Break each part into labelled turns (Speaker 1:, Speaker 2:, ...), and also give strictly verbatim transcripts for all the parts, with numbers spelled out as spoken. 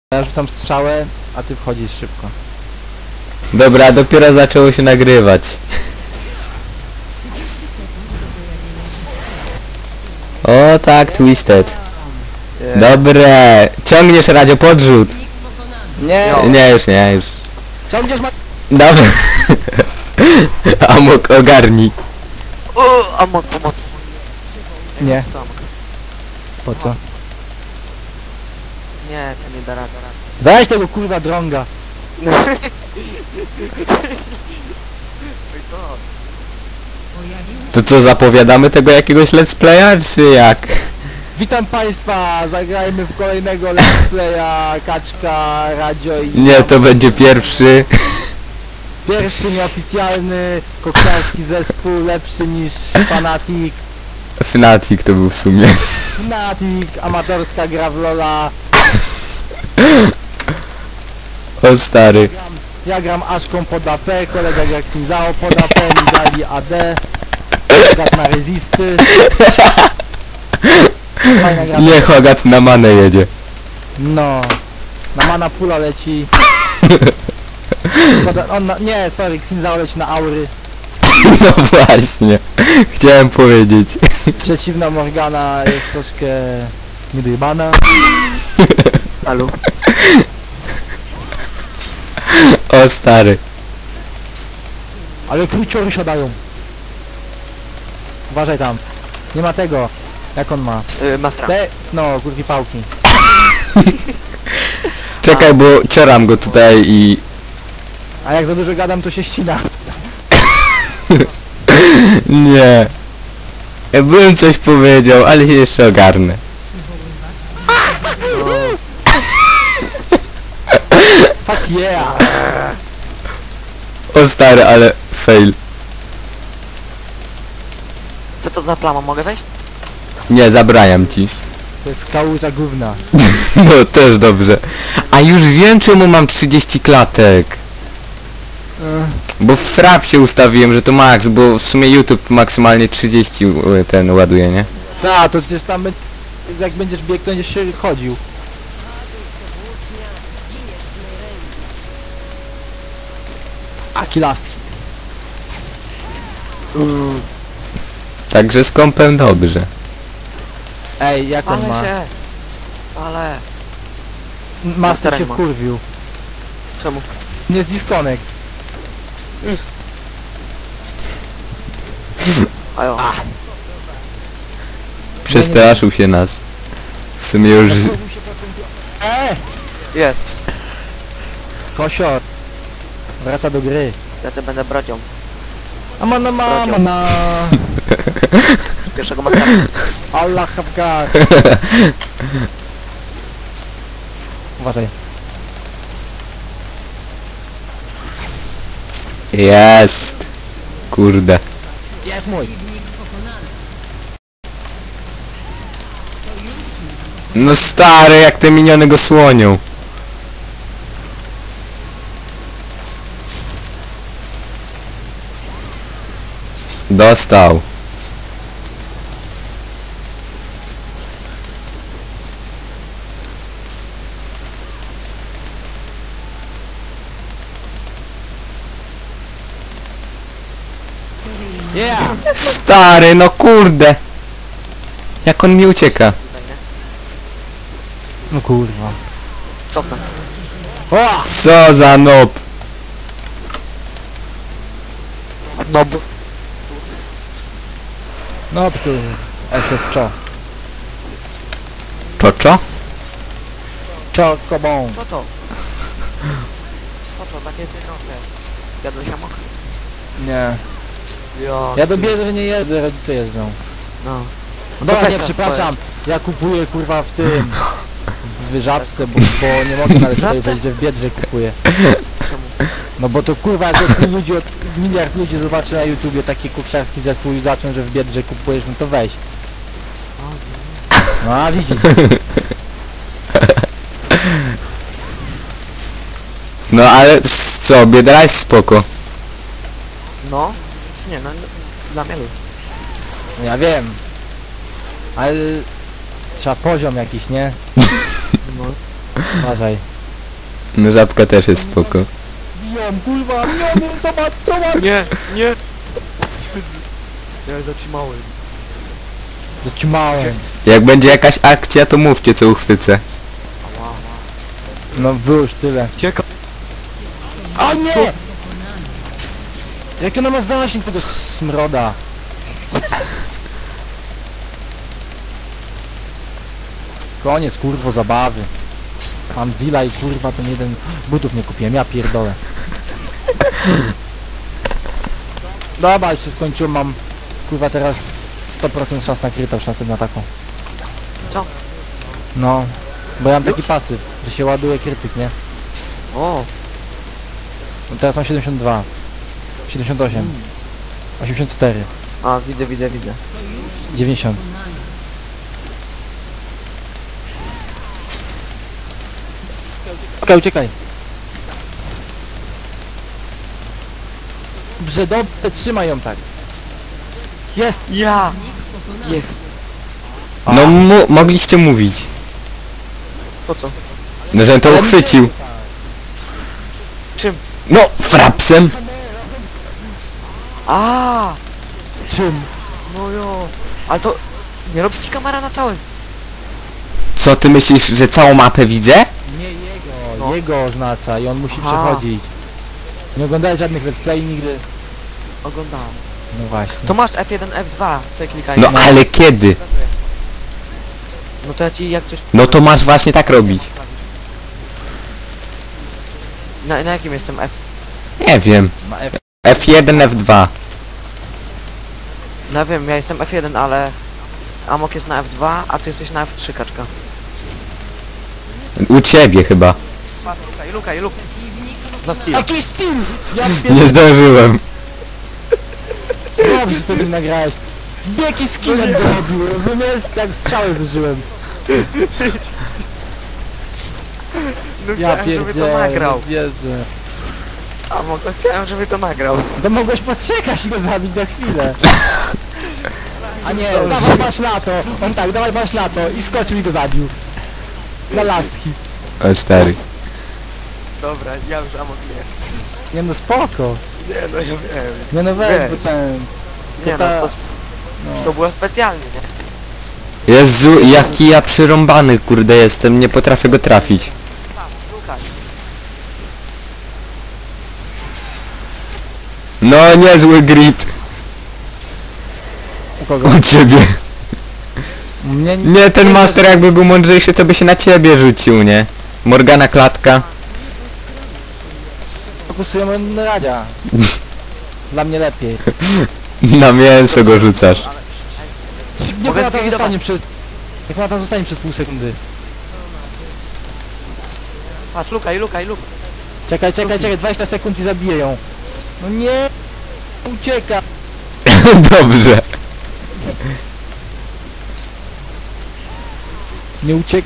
Speaker 1: Ja rzucam strzałę, a ty wchodzisz szybko.
Speaker 2: Dobra, dopiero zaczęło się nagrywać. O tak, Twisted. Dobre. Ciągniesz, Radio, podrzut.
Speaker 1: Nie,
Speaker 2: Nie, już nie, już.
Speaker 1: ciągniesz ma...
Speaker 2: Dobra. Amok, ogarnij.
Speaker 3: O, Amok, pomoc.
Speaker 1: Nie. Po co?
Speaker 3: Nie, to nie da rady.
Speaker 1: Weź tego kurwa drąga.
Speaker 2: To co, zapowiadamy tego jakiegoś let's playa, czy jak?
Speaker 1: Witam państwa, zagrajmy w kolejnego let's playa Kaczka, Radio i...
Speaker 2: Nie, to będzie pierwszy.
Speaker 1: Pierwszy nieoficjalny koktajlski zespół, lepszy niż Fanatic.
Speaker 2: Fnatic to był w sumie.
Speaker 1: Fnatic, amatorska gra w Lola.
Speaker 2: O stary.
Speaker 1: Gram, ja gram Aszką pod A P, kolega gra Kinzao pod A P, mi dali A D. Hogat na rezisty. Fajna gra.
Speaker 2: Nie, Hogat na manę jedzie.
Speaker 1: No. Na mana pula leci. Hogat- On na, nie, sorry, Xinzao leci na aury.
Speaker 2: No właśnie. Chciałem powiedzieć.
Speaker 1: Przeciwna Morgana jest troszkę niedojebana.
Speaker 3: Halo?
Speaker 2: O stary.
Speaker 1: Ale kruciory siadają. Uważaj tam. Nie ma tego. Jak on ma?
Speaker 3: Yy, Mastra.
Speaker 1: Te... No, kurki pałki.
Speaker 2: Czekaj, bo cioram go tutaj i...
Speaker 1: A jak za dużo gadam, to się ścina.
Speaker 2: Nie. Ja bym coś powiedział, ale się jeszcze ogarnę.
Speaker 1: Fuck yeah!
Speaker 2: O stary, ale fail.
Speaker 3: Co to za plama, mogę wejść?
Speaker 2: Nie, zabraniam ci.
Speaker 1: To jest kałuża gówna.
Speaker 2: No też dobrze. A już wiem, czemu mam trzydzieści klatek. Bo w frapsie ustawiłem, że to max, bo w sumie YouTube maksymalnie trzydzieści y, ten ładuje, nie?
Speaker 1: Ta, to przecież tam be- jak będziesz biegł, to będziesz się chodził. Aki last hit.
Speaker 2: Także z kompem dobrze.
Speaker 1: Ej, jak on
Speaker 3: Ale
Speaker 1: ma?
Speaker 3: się. Ale.
Speaker 1: Master się
Speaker 3: Master ma.
Speaker 1: wkurwił.
Speaker 3: Czemu?
Speaker 1: Nie z disconnect.
Speaker 3: Ajo.
Speaker 2: Przestraszył się nas. W sumie już...
Speaker 1: Eee!
Speaker 3: Jest.
Speaker 1: Kosior. Wraca do gry.
Speaker 3: Ja to będę brocią.
Speaker 1: A mana mama na
Speaker 3: Pierwszego Mastra.
Speaker 1: Allah Hafgar. Uważaj.
Speaker 2: Jest. Kurde.
Speaker 1: Jest mój.
Speaker 2: No stary, jak te miniony go słonią. Dostał.
Speaker 1: Yeah!
Speaker 2: Stary, no kurde. Jak on mi ucieka.
Speaker 1: No kurwa.
Speaker 3: Cofnę.
Speaker 1: O!
Speaker 2: Co za nob.
Speaker 3: No bo...
Speaker 1: No tu S S Czo.
Speaker 2: To co?
Speaker 1: Czo kobą.
Speaker 3: Co to? Co to? Takie pieniądze. Jadłeś Amok?
Speaker 1: Nie.
Speaker 3: Jo.
Speaker 1: Ja do bierze nie jeżdżę, rodzice jeżdżą.
Speaker 3: No.
Speaker 1: No dobra,
Speaker 3: weź
Speaker 1: nie,
Speaker 3: nas,
Speaker 1: przepraszam. Ja kupuję kurwa w tym. W Żabce, bo, bo nie mogę nawet tutaj
Speaker 3: Żabce?
Speaker 1: powiedzieć, że w Biedrze kupuję.
Speaker 3: Czemu?
Speaker 1: No bo to kurwa jak od tylu ludzi, od miliard ludzi zobaczy na YouTubie taki kuksiarski zespół i zaczął, że w Biedrze kupujesz, no to weź. No a widzisz.
Speaker 2: No ale s- co, Biedra jest spoko.
Speaker 3: No. Nie, no. no, Dla mnie luz.
Speaker 1: No ja wiem. Ale trzeba poziom jakiś, nie?
Speaker 3: No.
Speaker 1: Uważaj.
Speaker 2: No żabka też jest spoko.
Speaker 1: Biją, kurwa, biją, zobacz, zobacz!
Speaker 3: Nie, nie! Ja zatrzymałem.
Speaker 1: Zaćmałem.
Speaker 2: Jak będzie jakaś akcja, to mówcie, co uchwycę.
Speaker 3: Ała, ała.
Speaker 1: No było już tyle.
Speaker 3: Cieka...
Speaker 1: O nie! Jak ona ma zasięg tego smroda? Koniec, kurwo, zabawy. Mam Zilla i kurwa ten jeden butów nie kupiłem, ja pierdolę. Dobra, już się skończyło, mam kurwa teraz sto procent szans na kryta, szansę na taką.
Speaker 3: Co?
Speaker 1: No, bo ja mam taki pasyw, że się ładuje krytyk, nie?
Speaker 3: O!
Speaker 1: No teraz mam siedemdziesiąt dwa, siedemdziesiąt osiem, osiemdziesiąt cztery,
Speaker 3: A, widzę, widzę, widzę.
Speaker 1: dziewięćdziesiąt. Uciekaj, uciekaj. Dobrze, dobrze, trzymaj ją tak. Jest!
Speaker 3: Ja! Jest.
Speaker 2: No mu mogliście mówić.
Speaker 3: Po co?
Speaker 2: No, że to
Speaker 1: Ale
Speaker 2: uchwycił.
Speaker 1: nie-
Speaker 3: Czym?
Speaker 2: No, frapsem.
Speaker 3: A!
Speaker 1: Czym?
Speaker 3: No jo! Ale to... Nie robi ci kamera na całym.
Speaker 2: Co ty myślisz, że całą mapę widzę?
Speaker 1: Nie jego,
Speaker 3: No.
Speaker 1: jego oznacza i on musi
Speaker 3: Aha.
Speaker 1: przechodzić. Nie oglądałeś żadnych let's play nigdy.
Speaker 3: Oglądałem.
Speaker 1: No właśnie.
Speaker 3: To masz F jeden, F dwa. Sobie klikaj.
Speaker 2: No ale kiedy?
Speaker 3: No to ja ci jak coś...
Speaker 2: No to masz właśnie tak robić.
Speaker 3: Na, na jakim jestem F?
Speaker 2: Nie wiem.
Speaker 1: Ma F.
Speaker 2: F jeden, F dwa.
Speaker 3: No wiem, ja jestem F jeden, ale... Amok jest na F dwa, a ty jesteś na F trzy, kaczka.
Speaker 2: U ciebie chyba.
Speaker 3: Patrz, lukaj, lukaj, lukaj. Na skill.
Speaker 1: Jaki Steam! Ja
Speaker 2: Nie
Speaker 1: pierdolę,
Speaker 2: zdążyłem.
Speaker 1: dobrze że wtedy nagrałeś. Jaki skillet dorobiłem, wymiast jak strzały zużyłem.
Speaker 3: No
Speaker 1: Ja
Speaker 3: chciałem, żeby to
Speaker 1: pierdzielę,
Speaker 3: nagrał.
Speaker 1: nie wierzę.
Speaker 3: Amok, no chciałem, żeby to nagrał.
Speaker 1: To mogłeś poczekać i go zabić za chwilę. A nie, dawaj masz lato. On tak, dawaj masz lato i skoczył i go zabił. Na lastki.
Speaker 2: O stary.
Speaker 3: Dobra, ja już Amok nie.
Speaker 1: Nie no spoko.
Speaker 3: Nie, no ja wiem.
Speaker 1: Nie no weź,
Speaker 3: Weź.
Speaker 1: bo ten...
Speaker 3: Nie no,
Speaker 1: ta-
Speaker 3: to,
Speaker 1: No.
Speaker 3: to było specjalnie, nie?
Speaker 2: Jezu, jaki ja przyrąbany kurde jestem, nie potrafię go trafić.
Speaker 3: Patrz, lukaj.
Speaker 2: No niezły grid.
Speaker 1: U kogo?
Speaker 2: U ciebie.
Speaker 1: Mnie
Speaker 2: Nie, ten master jakby był mądrzejszy, to by się na ciebie rzucił, nie? Morgana klatka.
Speaker 1: fokusujemy na Radzia. Dla mnie lepiej.
Speaker 2: Na mięso go rzucasz.
Speaker 1: Jak
Speaker 3: Mogę
Speaker 1: ona tam
Speaker 3: zlikwidować.
Speaker 1: zostanie przez... Jak ona tam zostanie przez pół sekundy.
Speaker 3: Patrz, lukaj, lukaj, lukaj.
Speaker 1: Czekaj, czekaj, czekaj, dwadzieścia sekund i zabiję ją. No nie! Ucieka!
Speaker 2: Dobrze.
Speaker 1: Nie uciek...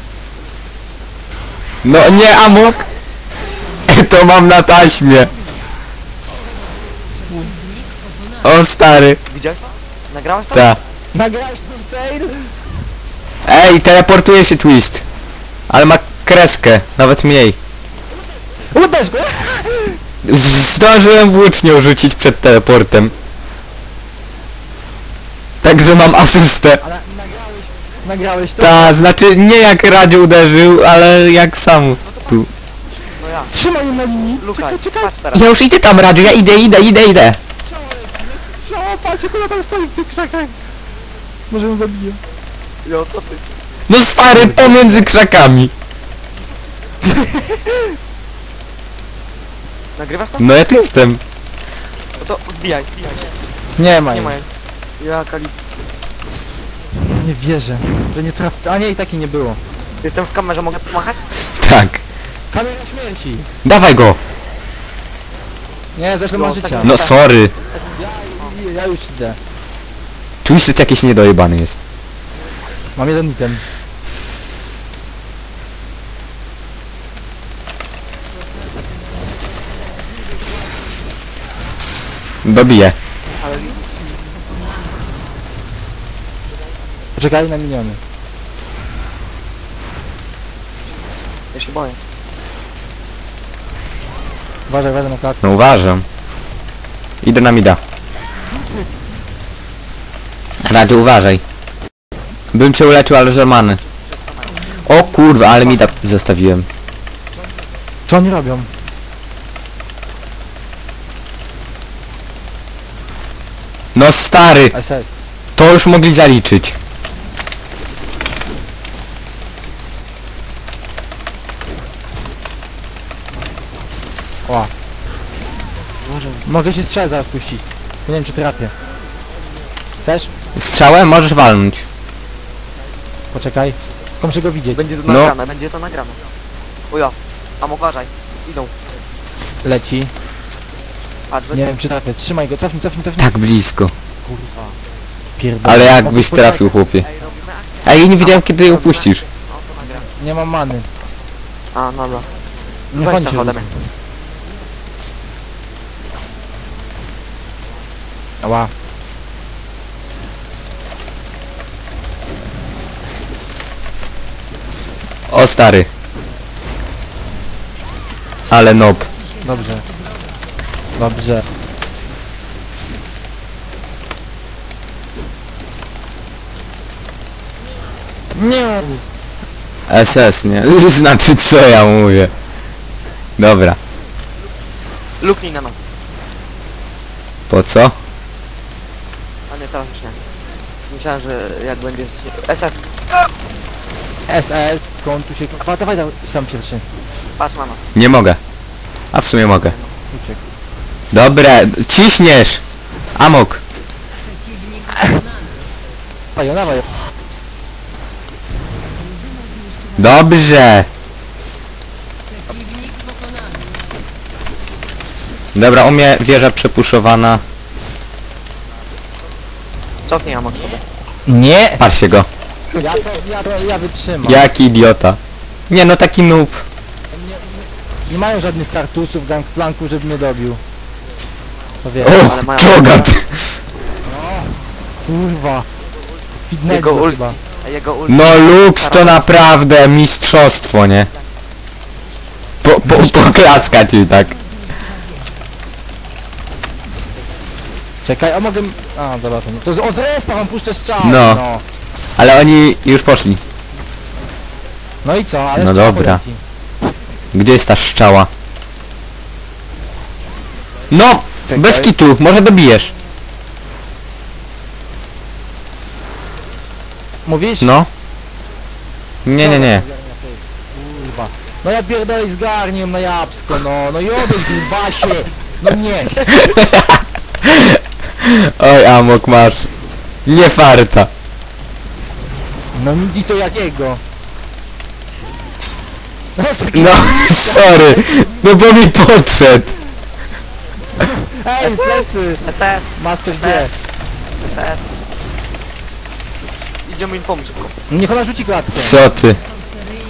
Speaker 2: No nie, Amok. To mam na taśmie. O stary.
Speaker 3: Widziałeś to? Nagrałeś to?
Speaker 2: Ta.
Speaker 1: Nagrałeś ten fail?
Speaker 2: Ej, teleportuje się Twist. Ale ma kreskę, nawet mniej.
Speaker 1: Uderz go!
Speaker 2: Z- Zdążyłem włócznią rzucić przed teleportem. Także mam asystę.
Speaker 1: Ale nagrałeś... Nagrałeś to?
Speaker 2: Ta, znaczy nie jak Radziu uderzył, ale jak sam tu.
Speaker 3: No ja.
Speaker 1: Trzymaj ją na linii!
Speaker 3: Lukaj,
Speaker 1: Czekaj, czekaj!
Speaker 3: patrz teraz.
Speaker 2: Ja już idę tam, Radziu, ja idę, idę, idę, idę.
Speaker 1: Strzała, patrz jak ona tam stoi w tych krzakach! Może ją zabiję.
Speaker 3: Jo, co ty?
Speaker 2: No stary, pomiędzy krzakami.
Speaker 3: Nagrywasz to?
Speaker 2: No ja tu jestem.
Speaker 3: No to wbijaj, wbijaj.
Speaker 1: Nie ma
Speaker 3: Nie
Speaker 1: jej.
Speaker 3: ma jej. Ja kali...
Speaker 1: Nie wierzę, że nie traf... A nie, i takiej nie było.
Speaker 3: Jestem w kamerze, mogę pomachać?
Speaker 2: Tak.
Speaker 1: Kamień śmierci!
Speaker 2: Dawaj go.
Speaker 1: Nie, zresztą
Speaker 3: No,
Speaker 1: ma życia.
Speaker 3: tak-
Speaker 2: No sorry.
Speaker 1: Ja, ja już idę.
Speaker 2: Twisted jakiś niedojebany jest.
Speaker 1: Mam jeden item.
Speaker 2: Dobiję.
Speaker 3: Ale...
Speaker 1: Poczekaj na miniony.
Speaker 3: Ja się boję.
Speaker 1: Uważaj, uważaj na klatkę.
Speaker 2: No uważam. Idę na mida. Radu, uważaj. Bym cię uleczył, ale żelmany. O kurwa, ale mida zostawiłem.
Speaker 1: Co oni robią?
Speaker 2: No stary,
Speaker 1: S S.
Speaker 2: to już mogli zaliczyć.
Speaker 1: Ła. Mogę się strzelać zaraz puścić. Nie wiem czy trafię. Chcesz?
Speaker 2: Strzałem możesz walnąć.
Speaker 1: Poczekaj. Tylko muszę go widzieć.
Speaker 3: Będzie to
Speaker 2: No.
Speaker 3: nagrane, będzie to nagrane. Ujo. Tam uważaj. Idą.
Speaker 1: Leci.
Speaker 3: Patrz,
Speaker 1: Nie wiem czy trafię. Trzymaj go, cofnij, cofnij, cofnij.
Speaker 2: Tak blisko.
Speaker 1: Kurwa. Pierdolę.
Speaker 2: Ale
Speaker 1: Mogę
Speaker 2: jakbyś
Speaker 1: poczekać.
Speaker 2: trafił, chłopie.
Speaker 3: Ej, robimy akcję.
Speaker 2: A ja nie wiedziałem kiedy upuścisz.
Speaker 3: No to nagram.
Speaker 1: Nie mam many.
Speaker 3: A, dobra.
Speaker 1: Nie
Speaker 3: Weź
Speaker 1: chodź
Speaker 3: tam
Speaker 1: się.
Speaker 3: ode mnie.
Speaker 1: Ała.
Speaker 2: O stary. Ale nob.
Speaker 1: Dobrze. Dobrze. Nie.
Speaker 2: S S, nie? Znaczy co ja mówię. Dobra.
Speaker 3: Luknij na nas.
Speaker 2: Po co?
Speaker 3: A nie, teraz już nie. Myślałem, że jak będzie... S S.
Speaker 1: S S. Skąd tu się... A, dawaj, dawaj. Sam pierwszy.
Speaker 3: Patrz na nas.
Speaker 2: Nie mogę. A w sumie mogę.
Speaker 1: Uciekł.
Speaker 2: Dobre, ciśniesz! Amok.
Speaker 1: Dawaj, dawaj.
Speaker 2: Dobrze. Dobra, u mnie wieża przepuszowana.
Speaker 3: Cofnij Amok sobie.
Speaker 1: Nie.
Speaker 2: Patrzcie go.
Speaker 1: Ja to, ja to, ja wytrzymam.
Speaker 2: Jaki idiota. Nie no, taki noob.
Speaker 1: Nie mają żadnych kartusów, gangplanków, żeby mnie dobił. To wiesz.
Speaker 2: O,
Speaker 3: ale mają-
Speaker 2: czogat.
Speaker 1: Kurwa. Fitnego
Speaker 3: Jego ulti.
Speaker 1: chyba.
Speaker 3: A jego ulti...
Speaker 2: No Lux to naprawdę mistrzostwo, nie? Po, po, poklaskać i tak.
Speaker 1: Czekaj, a mogę... A, dobra, to nie. To z, o, z respa mam puszczę strzał.
Speaker 2: No.
Speaker 1: no.
Speaker 2: Ale oni już poszli.
Speaker 1: No i co? Ale
Speaker 2: No
Speaker 1: strzał
Speaker 2: dobra.
Speaker 1: poleci.
Speaker 2: Gdzie jest ta szczała? No!
Speaker 1: Czekaj.
Speaker 2: Bez kitu, może dobijesz.
Speaker 1: Mówisz?
Speaker 2: No. Nie, nie, nie.
Speaker 1: Kurwa. No ja pierdolę zgarniłem na jabłko, no. No i odejdź grubasie. No nie.
Speaker 2: Oj, Amok masz. Nie farta.
Speaker 1: No i to jakiego? No, taki-
Speaker 2: No, sorry. No bo mi podszedł.
Speaker 1: Ej, plecy.
Speaker 3: S S.
Speaker 1: Master G.
Speaker 3: S S. Idziemy im pomóc szybko.
Speaker 1: Niech ona rzuci klatkę.
Speaker 2: Co ty?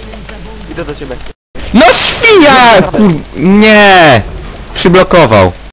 Speaker 3: Idę do ciebie.
Speaker 2: No świnia! Kur... Nie! Przyblokował.